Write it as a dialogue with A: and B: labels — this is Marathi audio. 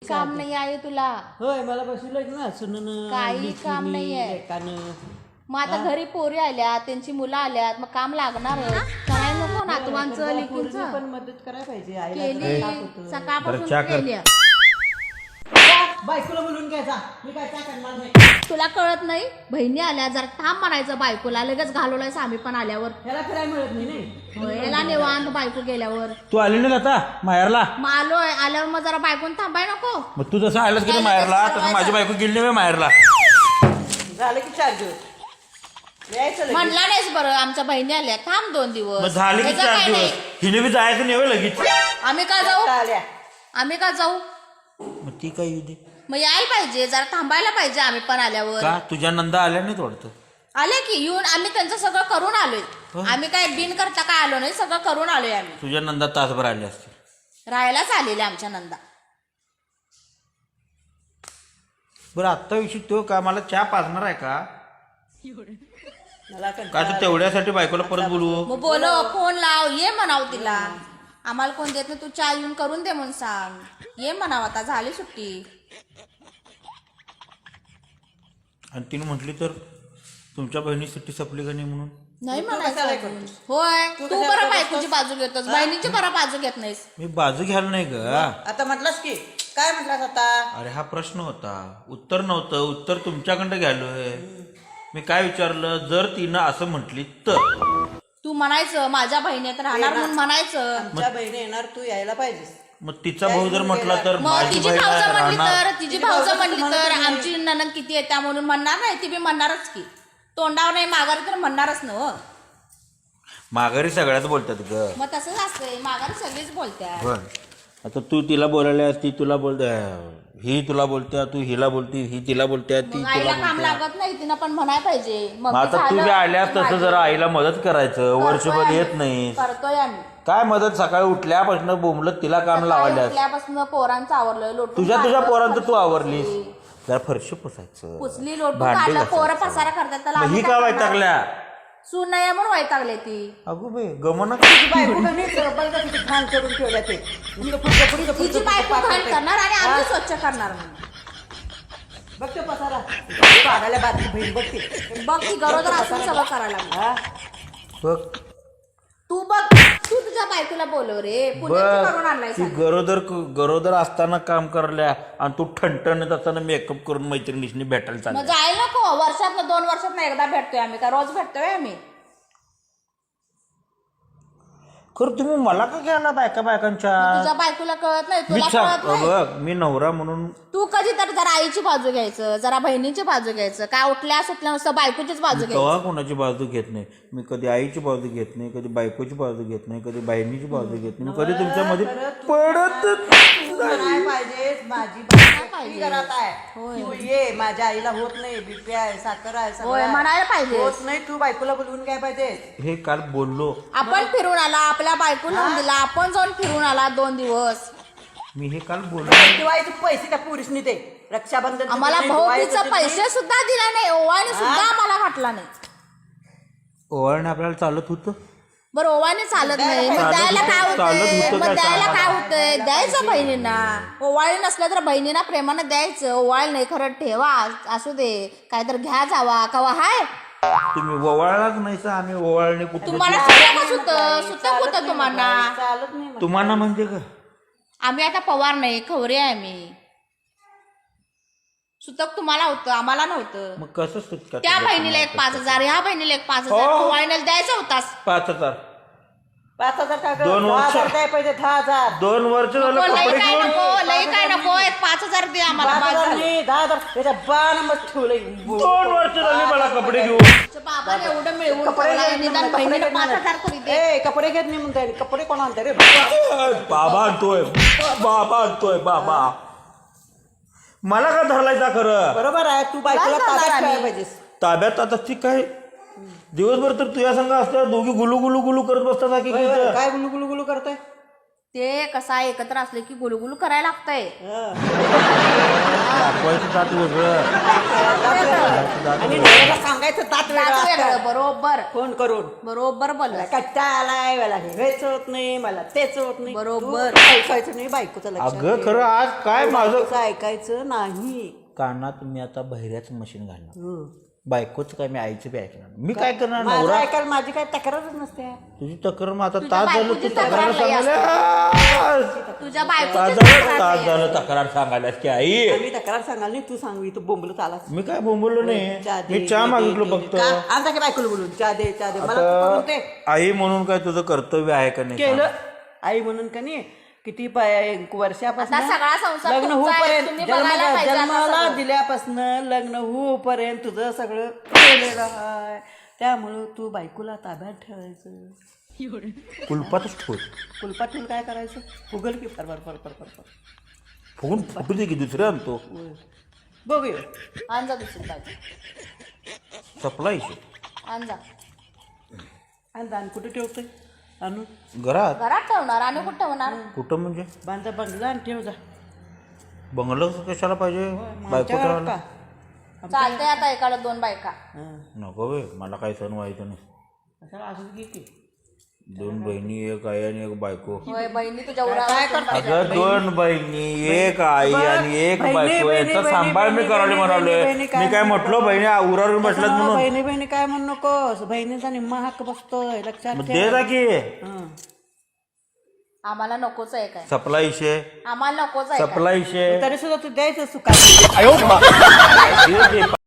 A: काम नाही आहे तुला.
B: होय मला बसवलं ना सुनन
A: काही काम नाहीये.
B: एकानं
A: मग आता घरी पोरी आल्यात, त्यांची मुलं आल्यात, मग काम लागणार करायला नको नातवांचं लेकींचं.
B: पण मदत करायला पाहिजे आईला.
A: केली सकाळपासून
C: बरं, चहा कर.
A: केली.
B: बायकोला बोलून घ्यायचा मी काय त्या करणार नाही.
A: तुला कळत नाही, बहिणी आल्या जरा थांब म्हणायचं बायकोला, लगेच घालवलाय आम्ही पण आल्यावर.
B: ह्याला फिरायला मिळत नाही
A: होय, याला निवांत बायको गेल्यावर.
C: तू आली नाही आता माहेरला.
A: मग आलोय, आल्यावर मग जरा बायकोन थांबाय नको.
C: मग तू जसं आलास की माहेरला तसं माझी बायको गेली नाही माहेरला.
B: झालं की 4 दिवस यायचं लगेच.
A: म्हणला नाहीस बरं, आमच्या बहिणी आल्या, थांब 2 दिवस.
C: मग झाले की
A: त्याचं
C: 4
A: काय
C: दिवस.
A: नाही.
C: हिने बी जायचं नाही होय लगेच.
A: आम्ही का जाऊ,
B: आल्या
A: आम्ही का जाऊ.
C: मग ती काय येऊ दे.
A: मग यायला पाहिजे, जरा थांबायला पाहिजे आम्ही पण आल्यावर.
C: का तुझ्या नंदा आल्या नाही वाटतं.
A: आले की येऊन आम्ही त्यांचं सगळं करून आलोय. आम्ही काय बिन करता काय आलो नाही, सगळं करून आलोय आम्ही.
C: तुझ्या नंदा तासभर आले असते.
A: राहायलाच आलेले आमच्या नंदा.
C: बरं आत्ता विषय तो का मला चहा पाजणार आहे का
B: मला
C: का तर तेवढ्यासाठी बायकोला परत बोलवू.
A: मग बोलो, फोन लाव, ये म्हणाव तिला. आम्हाला कोण देत नाही, तू चहा येऊन करून दे म्हणून सांग. ये म्हणाव, आता झाली सुट्टी.
C: आणि तिने म्हटली तर तुमच्या बहिणी सुट्टी संपली का नाही म्हणून.
A: नाही
B: तू
A: म्हणायचं
B: कशाला
A: अजून.
B: करतोस?
A: होय,
B: तू
A: तू
B: कशाला
A: बरं बायकोची बाजू घेतोस, बहिणीची बरं बाजू घेत नाहीस.
C: मी बाजू घ्यायला नाही ग.
B: आता म्हटलास की काय म्हटलास आता.
C: अरे हा प्रश्न होता, उत्तर नव्हतं. उत्तर तुमच्याकडं घ्यालोय. मी काय विचारलं, जर तिनं असं म्हटली तर
A: तू म्हणायचं माझ्या बहिणीत राहणार म्हणून म्हणायचं.
B: आमच्या बहिणी येणार तू यायला पाहिजेस.
C: मग तिचा भाऊ जर म्हटला तर
A: मग
C: माझी
A: तिची
C: बहीण
A: भाऊजं म्हणली
C: राहणार.
A: तर, तिची भाऊजं म्हणली तर आमची ननंद किती येत्या म्हणून म्हणणार नाही, ती बी म्हणणारच की. तोंडावर नाही माघारी तर म्हणणारच ना हो.
C: माघारी सगळ्यात बोलतात ग.
A: मग तसंच असतंय, माघारी सगळीच बोलत्या.
C: बर आता तू तिला बोलायला, ती तुला बोलते, ही तुला बोलत्या, तू हिला बोलती, ही तिला बोलत्या, ती
A: मग
C: तुला
A: आईला काम
C: बोलत्या.
A: लागत नाही, तिनं पण म्हणाय पाहिजे. मग
C: मग आता तू बी आल्यास तसं जरा आईला मदत करायचं. वर्षभर येत नाही
A: करतोय आम्ही.
C: काय मदत. सकाळी उठल्यापासून बोंबलत तिला काम लावायला.
A: उठल्यापासून पोरांचं आवरलं, लोटून
C: तुझ्या
A: काढलं,
C: पोरांचं तू
A: फरशी
C: आवरलीस.
A: पुसली.
C: जरा फरशी पुसायचं,
A: पुसली, लोटून
C: भांडी
A: काढलं,
C: घासायचं.
A: पोरं पसारा करतात, त्याला
C: मग ही
A: आम्ही
C: का
A: काय करणार?
C: वैतागल्या.
A: सून नाही आहे म्हणून वैतागले ती.
C: अगो बाई गमना.
B: बायको का नाही बघ किती घाण करून ठेवल्या ते. नुसतं फुटकं फुटकं
A: तिची बायको घाण करणार आणि आम्ही स्वच्छ करणार म्हणून.
B: बघ ते पसारा पागायला बातमी बहीण बघते.
A: बघ ती गरोदर असून सगळं करायला लागली.
B: हा
C: बघ
A: तू बघ, तू तुझ्या बायकोला बोलव रे, पुण्याची करून आणलाय
C: ती गरोदर असताना काम करल्या आणि तू ठणठणत असताना मेकअप करून मैत्रिणीशी भेटायला
A: मग
C: चालल्या.
A: जायला नको. वर्षात 2 वर्षात एकदा भेटतोय आम्ही, का रोज भेटतोय आम्ही.
C: खरं तुम्ही मला का घ्यायला बायकांच्या.
A: तुझ्या बायकोला कळत नाही,
C: मी
A: तुला कळत नाही.
C: बघ मी नवरा म्हणून
A: तू कधी तर जरा आईची बाजू घ्यायचं, जरा बहिणीची बाजू घ्यायचं. काय उठल्या सुटल्या नुसतं बायकोचीच बाजू घ्यायची.
C: तेव्हा कोणाची बाजू घेत नाही. मी कधी आईची बाजू घेत नाही, कधी बायकोची बाजू घेत नाही, कधी बहिणीची बाजू घेत नाही. मी कधी तुमच्यामध्ये पडत
B: म्हणाय पाहिजेस माझी बहीण घरात आहे. तू ये, माझ्या आईला होत नाही, बीपी आहे, साखर आहे, सगळं
A: होय,
B: आहे.
A: म्हणायला पाहिजे.
B: होत नाही, तू बायकोला बोलवून काय पाहिजे.
C: हे काल बोललो
A: आपण फिरून आला, आपल्या बायको लावून दिला, आपण जाऊन फिरून आला 2 दिवस.
C: मी हे काल बोललो.
B: दिवाळीचे पैसे त्या पुरुषनी दे. रक्षाबंधन
A: आम्हाला भाऊबीचं पैसे सुद्धा दिला नाही, ओवाळणी सुद्धा आम्हाला वाटला नाही.
C: ओवाळणे आपल्याला चालत होतं.
A: बरं ओवाळणी चालत नाही, मग द्यायला काय
C: चालत
A: होतंय,
C: होतं
A: मग
C: काय
A: द्यायला
C: सांगा.
A: काय होतंय, द्यायचं बहिणींना. ओवाळी नसलं तर बहिणींना प्रेमानं द्यायचं. ओवाळ नाही खरं ठेवा, असू दे, काय तर घ्या जावा कवा हाय.
C: तुम्ही ओवाळलाच नाही सर. आम्ही ओवाळणे कुठे.
A: तुम्हाला सुतकच होतं, सुतक होतं तुम्हाला.
B: चालत नाही मग.
C: तुम्हाला म्हणजे का
A: आम्ही आता पवार नाही, खवरे आहे आम्ही. सुतक तुम्हाला होतं, आम्हाला नव्हतं.
C: मग कसं सुटका.
A: त्या बहिणीला एक 5,000, ह्या बहिणीला एक 5,000
C: हो.
A: ओवाळीला द्यायचा होतास.
C: 5,000
B: 5,000 टाका.
C: 2 वर्ष.
B: 10,000 द्याय पाहिजे. 10,000
C: 2 वर्ष झालं
A: लई
C: कपडे
A: काय
C: घेऊन.
A: नको, लई काय नको, एक 5,000 दे आम्हाला.
B: 5,000 नाही, 10,000 त्याच्या बाण मग ठेवलंय.
C: 2 वर्ष झाली मला कपडे घेऊन.
A: बाबाने एवढं मिळवून
B: कपडे
A: ठेवलंय,
B: घेत
A: निदान
B: नाही,
A: बहिणीला
B: कपडे
A: 5,000 तरी दे.
B: ए कपडे घेत नाही म्हणता येईल. कपडे कोण आणते रे.
C: बाबा आणतोय, बाबा आणतोय, बाबा. मला का धरलायचा खरं.
B: बरोबर आहे. तू बायकोला
A: काय
B: ताब्यात
A: करणार
B: ठेवायला
A: आम्ही?
B: पाहिजेस.
C: ताब्यात आता ती काय दिवसभर तर तुझ्या संघ असल्या दोघी गुलू गुलू गुलू करत बसतात की
B: होय, होय. काय गुलू गुलू गुलू करताय.
A: ते कसा एकत्र असले की गुलगुल करायला लागतंय.
C: दाखवायचं दात वेगळं.
B: आणि नवऱ्याला सांगायचं तात वेगळं
A: दात वेगळं,
B: असतं.
A: बरोबर
B: फोन करून
A: बरोबर बोल.
B: मला कंटाळा आलाय, मला हे हेच होत नाही, मला तेच होत नाही.
A: बरोबर.
B: तू ऐकायचं नाही बायकोचं लक्षात
C: अगं
B: ठेव.
C: खरं आज काय माझं
B: बायकोचं ऐकायचं नाही.
C: कानात मी आता बहिऱ्याचं मशीन घालणार. बायकोच काय मी आईचं बी ऐकणार. मी काय करणार
B: माझं
C: नवरा
B: ऐकायला माझी काय तक्रारच नसते.
C: तुझी तक्रार मग आता
A: तुझ्या
C: तास झालं तू
A: बायकोची
C: तक्रार
A: तक्रार लई
C: सांगायला
A: तुझ्या
C: तास
A: बायकोची
C: झालं तक्रार सांगायला की आई
B: आम्ही तक्रार सांगाल नाही, तू सांग इथं बोंबलत आलास.
C: मी काय बोंबलो नाही.
B: चहा दे,
C: मी चहा
B: दे,
C: मागितलो
B: दे,
C: फक्त.
B: दे. का? आमचा की बायकोला बोलून चहा दे चहा दे. मला तू करून दे.
C: आई म्हणून काय तुझं कर्तव्य आहे का नाही
B: केलं आई म्हणून का नाही किती वर्षापासून
A: आता सगळा संसार
B: लग्न
A: तुमचा आहे.
B: होऊपर्यंत
A: तुम्ही बघायला पाहिजे आता
B: जन्माला
A: सगळं.
B: दिल्यापासून लग्न होऊपर्यंत तुझं सगळं केलेलं आहे. त्यामुळं तू बायकोला ताब्यात ठेवायचं.
C: कुलपातच ठेव.
B: कुलपात ठेवून काय करायचं? फुगल की फर फर फर फर फर फर.
C: फुगून फुटू दे की दुसरं आणतो.
B: बघूया.
A: आण जा दुसरी बाजू,
C: सपला इशे
A: आण जा.
B: आणि दान कुठे ठेवतोय? आणून
C: घरात
A: घरात ठेवणार आणि कुठं ठेवणार?
C: कुठं म्हणजे
B: बांधा बंगला आणि ठेव जा.
C: बंगलं कशाला पाहिजे बायको
B: आमच्या घरात
C: ठेवायला?
B: का?
A: चालतंय आता एकाला 2 बायका.
B: हं.
C: नको बे मला काही सण व्हायचं नाही.
B: कशाला असंच घे की.
C: 2 बहिणी, एक आई आणि एक बायको.
A: होय बहिणी तुझ्या उरा
B: काय करता?
C: अगं 2 बहिणी, एक आई आणि एक
B: बहिणी,
C: बायको
B: बहिणी,
C: याचा
B: बहिणी,
C: सांभाळ मी
B: बहिणी,
C: करायला
B: बहिणी,
C: म्हणालोय.
B: बहिणी, काय
C: मी काय म्हटलं बहिणी उरावर बसल्यात म्हणून.
B: बहिणी बहिणी काय म्हणू नकोस. बहिणीचा निम्मा हक्क बसतोय लक्षात
C: मग
B: ठेव.
C: दे जा की.
B: हं.
A: आम्हाला नकोच आहे काय,
C: सपला इशे
A: आम्हाला नकोच आहे काय.
C: सपला इशे
B: तरी सुद्धा तू द्यायचं सुखात.